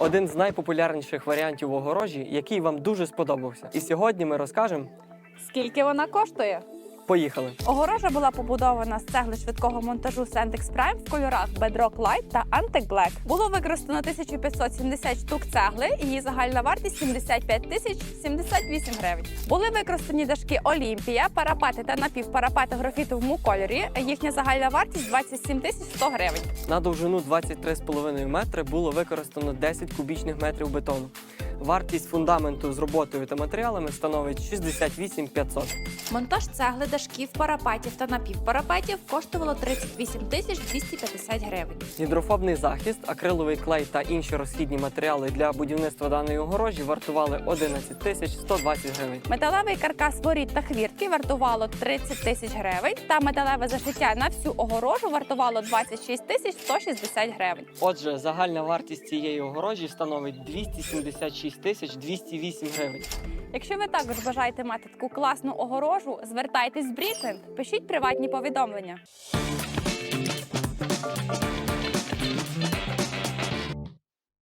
один з найпопулярніших варіантів огорожі, який вам дуже сподобався. І сьогодні ми розкажемо. Скільки вона коштує? Поїхали! Огорожа була побудована з цегли швидкого монтажу Sandix Prime в кольорах Bedrock Light та Antique Black. Було використано 1570 штук цегли, і її загальна вартість 75 тисяч 78 гривень. Були використані дашки Олімпія, парапети та напівпарапети в графітовому кольорі. Їхня загальна вартість 27 тисяч 100 гривень. На довжину 23,5 метри було використано 10 кубічних метрів бетону. Вартість фундаменту з роботою та матеріалами становить 68 500. Монтаж цегли, дашків, парапетів та напівпарапетів коштувало 38 тисяч 250 гривень. Гідрофобний захист, акриловий клей та інші розхідні матеріали для будівництва даної огорожі вартували 11 тисяч 120 гривень. Металевий каркас воріт та хвіртки вартувало 30 тисяч гривень, та металеве зашиття на всю огорожу вартувало 26 тисяч 160 гривень. Отже, загальна вартість цієї огорожі становить 276 тисяч 208 гривень. Якщо ви також бажаєте мати таку класну огорожу, звертайтесь в Брікленд, пишіть приватні повідомлення.